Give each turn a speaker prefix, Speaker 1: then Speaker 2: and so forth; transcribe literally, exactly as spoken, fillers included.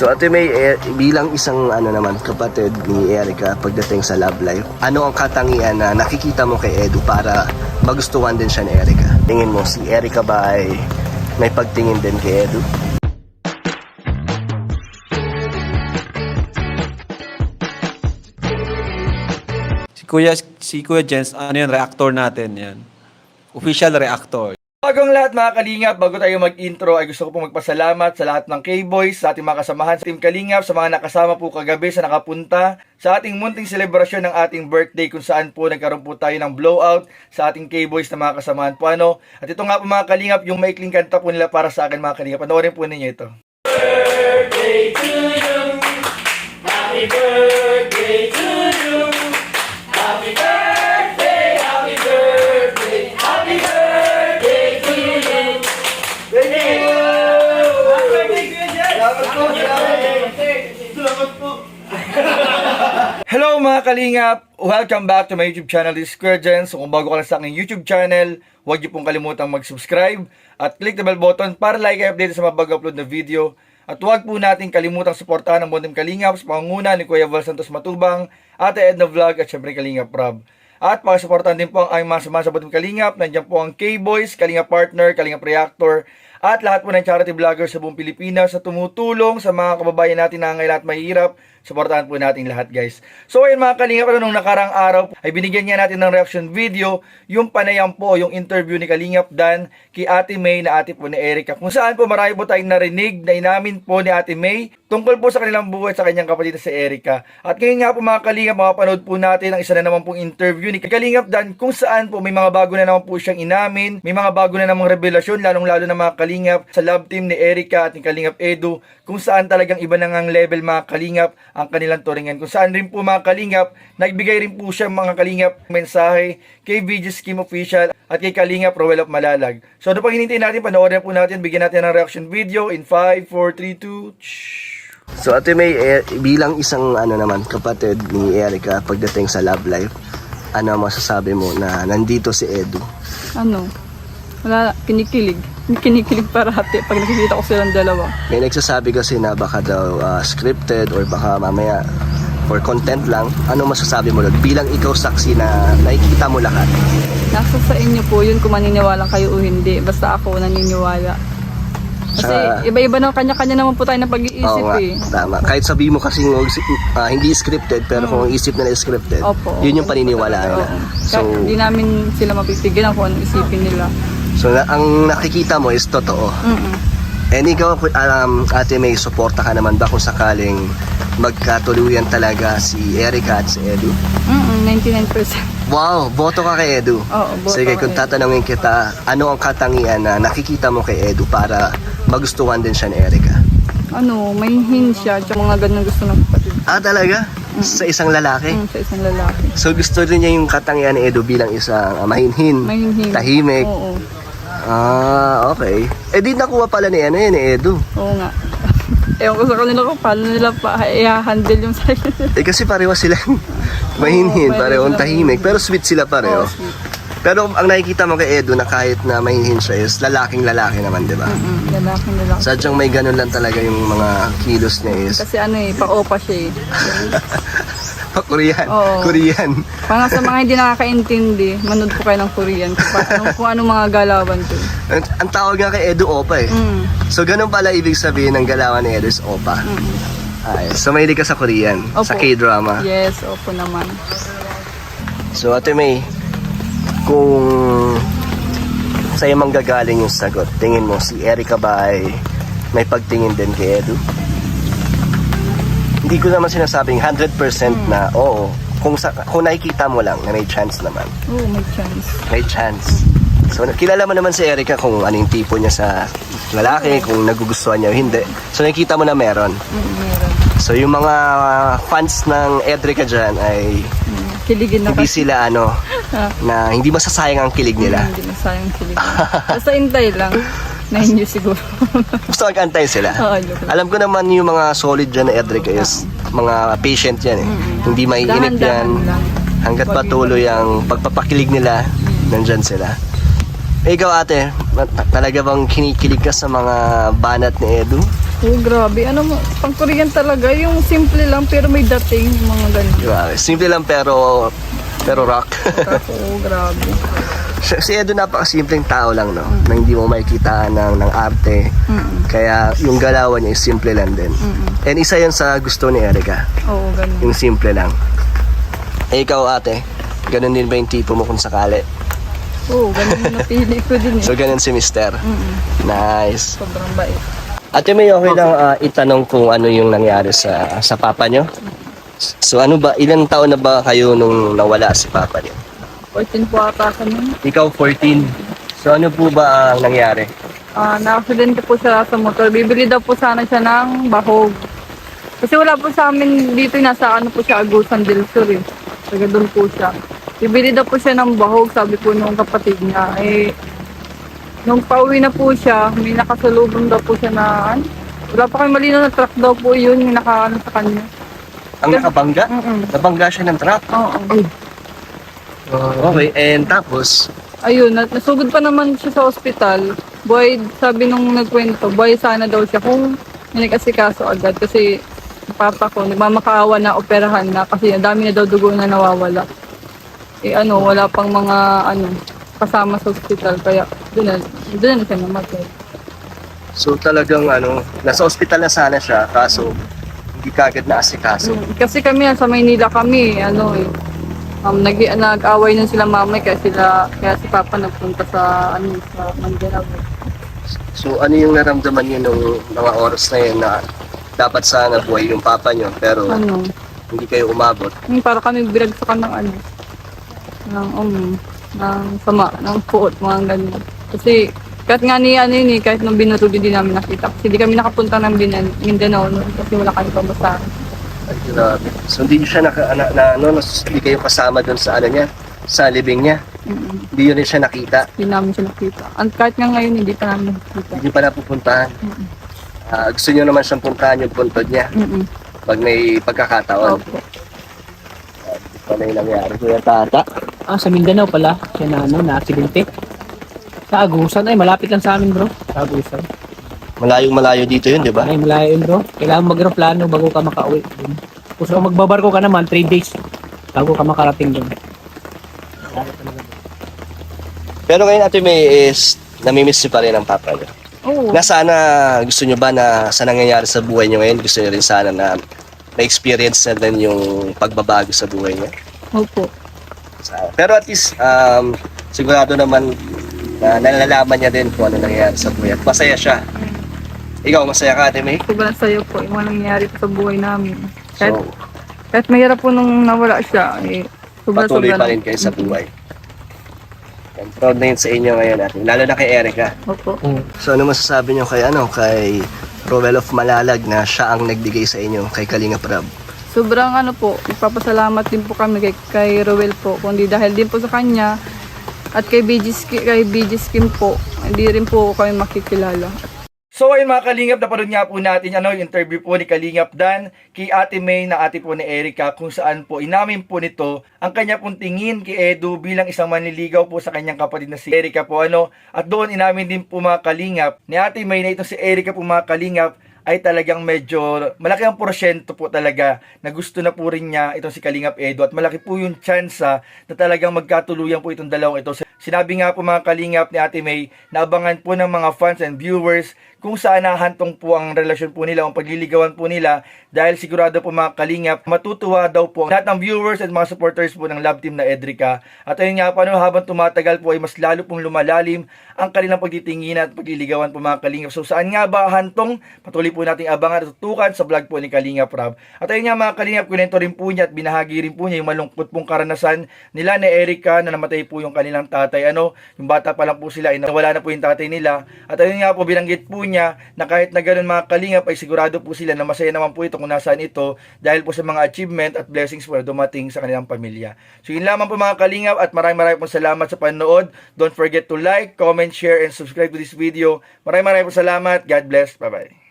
Speaker 1: So Ate May, eh, bilang isang ano naman kapatid ni Erica pagdating sa love life, ano ang katangian na nakikita mo kay Edu para magustuhan din siya ni Erica? Tingin mo si Erica ba ay may pagtingin din kay Edu?
Speaker 2: Si Kuya, si Kuya Jens, ano yan, reactor natin yan. Official reactor.
Speaker 3: Bagong lahat mga Kalingap, bago tayo mag-intro ay gusto ko pong magpasalamat sa lahat ng K-Boys, sa ating mga kasamahan sa Team Kalingap, sa mga nakasama po kagabi sa nakapunta, sa ating munting selebrasyon ng ating birthday kung saan po nagkaroon po tayo ng blowout sa ating K-Boys na mga kasamahan po ano. At ito nga po mga Kalingap, yung maikling kanta po nila para sa akin mga Kalingap. Panoorin po ninyo ito. Birthday to you, happy birthday to you, happy birthday, happy birthday, happy birthday. Hello mga Kalingap! Welcome back to my YouTube channel, this is Kuya Jens. So kung bago ka lang sa aking YouTube channel, huwag niyo pong kalimutang mag-subscribe at click the bell button para like and update sa mga bago-upload na video. At huwag po natin kalimutang suportahan ang Team Kalingap sa pangunguna ni Kuya Val Santos Matubang, Ate Edna Vlog at syempre Kalingap Rob. At pakisuportahan din po ang aming mga samahan sa Team Kalingap. Nandiyan po ang K-Boys, Kalingap Partner, Kalingap Reactor, at lahat po ng charity vloggers sa buong Pilipinas sa tumutulong sa mga kababayan natin na nangangailangan at mahirap. Suportahan po natin lahat guys. So ayun mga Kalingap, ano, nung nakarang araw ay binigyan niya natin ng reaction video yung panayam po, yung interview ni Kalingap Dan kay Ate May na ate po ni Erica. Kung saan po marami po tayong narinig na inamin po ni Ate May tungkol po sa kanilang buhay sa kanyang kapatid na si Erica. At ngayon nga po mga Kalingap, makapanood po natin ang isa na naman pong interview ni Kalingap Dan kung saan po may mga bago na naman po siyang inamin, may mga bago na namang revelasyon lalong lalo na mga Kalingap sa love team ni Erica at ni Kalingap Edu, kung saan talagang iba na ngang level mga Kalingap ang kanilang turingan. Kung saan rin po mga Kalingap, nagbigay rin po siya mga Kalingap mensahe kay V J Scheme Official at kay Kalingap Roel of Malalag. So ano pang hinintay natin, panoorin po natin, bigyan natin ng reaction video in five, four, three, two,
Speaker 1: So Ate May, eh, bilang isang ano naman kapatid ni Erica pagdating sa love life, ano masasabi mo na nandito si Edu?
Speaker 4: Ano? Wala, kinikilig. Kinikilig parati pag nakikita ko silang dalawa.
Speaker 1: May nagsasabi kasi na baka daw uh, scripted or baka mamaya for content lang. Ano masasabi mo doon? Bilang ikaw saksi na nakikita mo lahat.
Speaker 4: Nasa sa inyo po yun kung maniniwala kayo o hindi. Basta ako naniniwala. Kasi
Speaker 1: Sa-
Speaker 4: iba-iba na kanya-kanya naman po tayo na pag-iisip
Speaker 1: Oo nga,
Speaker 4: eh.
Speaker 1: tama. Kahit sabi mo kasi uh, hindi scripted, pero kung isip na scripted,
Speaker 4: Opo,
Speaker 1: yun yung
Speaker 4: opo.
Speaker 1: paniniwalaan nila.
Speaker 4: Oo.
Speaker 1: So,
Speaker 4: Kaya hindi namin sila mapipigyan kung anong isipin nila.
Speaker 1: so na, ang nakikita mo is totoo.
Speaker 4: Mm-mm.
Speaker 1: And ikaw, um, Ate May, suporta ka naman ba kung sakaling magkatuluyan talaga si Erica at si Edu?
Speaker 4: Mm-mm, ninety-nine percent.
Speaker 1: Wow, boto ka kay Edu.
Speaker 4: Oo, boto
Speaker 1: Sige,
Speaker 4: kay
Speaker 1: kung
Speaker 4: Edu.
Speaker 1: tatanungin kita, ano ang katangian na nakikita mo kay Edu para magustuhan din siya ni Erica?
Speaker 4: Ano, may hin siya at mga ganun gusto ng kapatid.
Speaker 1: Ah, talaga? Sa isang lalaki?
Speaker 4: Mm, sa isang lalaki.
Speaker 1: So gusto rin niya yung katangian ni Edu bilang isang uh, mahinhin,
Speaker 4: Mahinhin.
Speaker 1: tahimik.
Speaker 4: Oo,
Speaker 1: Ah, okay. Eh di nakuha pala ni ano yun, ni Edu.
Speaker 4: oo nga. Ewan ko sa kanila kung paano nila pa i-handle yung sarili.
Speaker 1: Eh kasi pareho sila mahinhin,
Speaker 4: Oo,
Speaker 1: pareho
Speaker 4: pareho
Speaker 1: tahimik,
Speaker 4: sila.
Speaker 1: pero sweet sila pareho.
Speaker 4: Oo, sweet.
Speaker 1: Pero ang nakikita mo kay Edu na kahit na mahinhin siya is lalaking lalaki naman, di ba?
Speaker 4: Mm, lalaki lalaki.
Speaker 1: Sadyang may ganun lang talaga yung mga kilos niya is
Speaker 4: Kasi ano eh, pa-opa siya eh.
Speaker 1: pa-Korean.
Speaker 4: Oo.
Speaker 1: Korean.
Speaker 4: Para sa mga hindi nakakaintindi, manood po kayo ng Korean kung, pa, kung, kung anong mga galawan ko.
Speaker 1: Ang, ang tawag nga kay Edu, Opa eh.
Speaker 4: Mm.
Speaker 1: So ganun pala ibig sabihin ng galawan ni Edu is Opa.
Speaker 4: Mm.
Speaker 1: Ay, so mahilig ka sa Korean,
Speaker 4: Opo.
Speaker 1: sa K-drama.
Speaker 4: Yes, opo naman.
Speaker 1: So Ate May, kung sa'yo manggagaling yung sagot, tingin mo si Erica ba ay may pagtingin din kay Edu? Hindi ko naman sinasabing one hundred percent na oo. Kung, sa, kung nakikita mo lang na may chance naman.
Speaker 4: Oo, may chance.
Speaker 1: May chance. So kilala mo naman si Erica kung anong tipo niya sa lalaki, kung nagugustuhan niya o hindi. So nakikita mo na meron.
Speaker 4: Mm, meron.
Speaker 1: So yung mga fans ng Erica dyan ay
Speaker 4: Mm, kiligin na
Speaker 1: hindi
Speaker 4: kasi.
Speaker 1: sila ano,
Speaker 4: Ah,
Speaker 1: na hindi masasayang ang kilig nila.
Speaker 4: Hindi na sayang kiligin. Basta intay lang. Na-enjoy siguro.
Speaker 1: Gusto mag-antay sila.
Speaker 4: Oo, joke lang.
Speaker 1: Alam ko naman yung mga solid dyan na Edric is mga patient yan eh. Hindi maiinip yan.
Speaker 4: Dahan-dahan lang.
Speaker 1: Hanggat
Speaker 4: Wag
Speaker 1: patuloy ang pagpapakilig nila, nandyan sila. Eh, ikaw ate, ta- talaga bang kinikilig ka sa mga banat ni Edu?
Speaker 4: Oh, grabe. Ano mo, pang Korean talaga. Yung simple lang pero may dating. Yung mga ganun.
Speaker 1: Grabe. Simple lang pero pero rock.
Speaker 4: Oo, grabe.
Speaker 1: Si si Edo napakasimpleng tao lang, no? Na hindi mo makikita ng, ng arte.
Speaker 4: Mm-mm.
Speaker 1: Kaya yung galawan niya is simple lang din.
Speaker 4: Mm-mm.
Speaker 1: And isa yun sa gusto ni Erica.
Speaker 4: Oo, ganun.
Speaker 1: Yung simple lang. Eh, ikaw ate, ganun din ba yung tipo mo kung sakali?
Speaker 4: Oo, ganun yung napili ko din eh.
Speaker 1: So, ganun si Mister.
Speaker 4: Mm-mm.
Speaker 1: Nice.
Speaker 4: Sobrang bait.
Speaker 1: Ate, may okay lang ah, itanong kung ano yung nangyari sa sa papa nyo? So, ano ba, ilang taon na ba kayo nung nawala si papa nyo?
Speaker 4: fourteen po ata kami.
Speaker 1: Ikaw, fourteen. So, ano po ba ang nangyari?
Speaker 4: Ah, na-accident po siya sa motor. Bibili daw po sana siya ng bahog. Kasi wala po sa amin dito, nasa ano po siya, Agusan del Sur eh. Taga doon po siya. Bibili daw po siya ng bahog, sabi po nung kapatid niya. Eh, nung pauwi na po siya, may nakasalubong daw po siya na, ano? Wala pa kayo malinaw na truck daw po yun, yung nakaano sa kanya.
Speaker 1: Ang nakabangga?
Speaker 4: Mm-mm.
Speaker 1: Nabangga siya ng truck?
Speaker 4: Oo.
Speaker 1: Okay, and tapos,
Speaker 4: Ayun, nat- nasugod pa naman siya sa ospital. Boy, sabi nung nagkwento, boy, sana daw siya kung may nag-asikaso agad. Kasi yung papa ko, nagmamakaawa na operahan na kasi ang dami na daw dugo na nawawala. Eh ano, wala pang mga ano, kasama sa ospital. Kaya doon na, doon na siya namatay.
Speaker 1: so talagang ano, nasa ospital na sana siya, kaso hindi kagad na asikaso.
Speaker 4: Mm, Kasi kami, sa Maynila kami, ano eh, um, nag, nag-away nun sila mamay kaya sila, kaya si papa nagpunta sa, ano, sa Manila.
Speaker 1: So ano yung naramdaman niyo nung mga oras na yun na dapat sana buhay yung papa niyo, pero
Speaker 4: Ano,
Speaker 1: hindi kayo umabot?
Speaker 4: yung para kami binagsakan ng ano, ng um, ng sama, ng puot, mga ganyan. Kasi kahit nga ni ano yun eh, kahit nung binuro din namin nakita. Kasi di kami nakapunta ng Binan- Mindanao noon kasi wala kami pamasahe.
Speaker 1: Ay, grabe. So hindi siya naka, na, na, ano, nas- hindi kayo kasama doon sa ano niya, sa libing niya.
Speaker 4: Mm-mm.
Speaker 1: Hindi yun rin siya nakita.
Speaker 4: Hindi namin siya nakita. At kahit nga ngayon, hindi pa namin nakita.
Speaker 1: Hindi pa napupuntahan.
Speaker 4: Mm-mm.
Speaker 1: Ah, gusto niyo naman siyang puntahan yung puntod niya
Speaker 4: Mm-mm.
Speaker 1: pag may pagkakataon.
Speaker 4: Opo.
Speaker 1: Ano yung nangyari? Kuya Tata?
Speaker 5: Ah, sa Mindanao pala. Siya na ano, na aksidente. Sa Agusan. Ay, malapit lang sa amin bro. Sa Agusan.
Speaker 1: Malayong malayo dito yun, di ba?
Speaker 5: Ay, malayo yun bro. Kailangan mag-aeroplano bago ka makauwi. Dun. Kung magbabarko ka naman, three days bago ka makarating doon.
Speaker 1: Pero ngayon Ate May is namimiss niyo pa rin ang papa niyo.
Speaker 4: Oo.
Speaker 1: Na sana gusto niyo ba na sa nangyayari sa buhay niyo ngayon, gusto niyo rin sana na na-experience na din yung pagbabago sa buhay niya.
Speaker 4: Opo.
Speaker 1: Sa- Pero at least um, sigurado naman na nalalaman niya din kung ano nangyayari sa buhay at masaya siya. Ikaw, masaya ka Ate May?
Speaker 4: Sobrang sayo po yung mga nangyayari po sa buhay namin. Kahit,
Speaker 1: So,
Speaker 4: kahit mahirap po nung nawala siya, eh, sobrang
Speaker 1: patuloy
Speaker 4: sobrang
Speaker 1: pa rin kayo sa buhay. And proud na yun sa inyo ngayon natin, lalo na kay Erica.
Speaker 4: Opo.
Speaker 1: So ano masasabi niyo kay ano, kay Roel of Malalag na siya ang nagbigay sa inyo kay Kalinga Prab?
Speaker 4: Sobrang ano po, nagpapasalamat din po kami kay, kay Roel po. Kundi dahil din po sa kanya at kay B G, Ski- kay B G Skim po, hindi rin po kami makikilala.
Speaker 3: So ayun mga Kalingap, napanood nga po natin ano, yung interview po ni Kalingap Dan kay Ate May na ate po ni Erica, kung saan po inamin po nito ang kanya pong tingin kay Edu bilang isang manliligaw po sa kanyang kapatid na si Erica po ano. At doon inamin din po mga Kalingap ni Ate May na ito si Erica po mga Kalingap ay talagang medyo malaki ang porsyento po talaga na gusto na po rin niya itong si Kalingap Edu at malaki po yung tsansa na talagang magkatuluyan po itong dalawang ito. Sinabi nga po mga Kalingap ni Ate May na abangan po ng mga fans and viewers kung saan nahantong po ang relasyon po nila, ang pagliligawan po nila, dahil sigurado po mga Kalingap, matutuwa daw po lahat ng viewers at mga supporters po ng love team na Edrica. At ayun nga po, ano, habang tumatagal po ay mas lalo pong lumalalim ang kanilang pagtitingin at pagliligawan po mga Kalingap. So saan nga ba hantong? Patuloy po nating abangan at tutukan sa vlog po ni Kalingap Rob. At ayun nga mga Kalingap, kunento rin po niya at binahagi rin po niya yung malungkot pong karanasan nila ni Erica na namatay po yung kanilang tatay. Ano, yung bata pa lang po sila, ay nawala na po yung tatay nila. At ayun nga po, binanggit po niya na kahit na ganun mga Kalingap ay sigurado po sila na masaya naman po ito kung nasaan ito dahil po sa mga achievement at blessings po na dumating sa kanilang pamilya. So yun lamang po mga Kalingap at maraming maraming po salamat sa panonood. Don't forget to like, comment, share, and subscribe to this video. Maraming maraming po salamat. God bless. Bye-bye.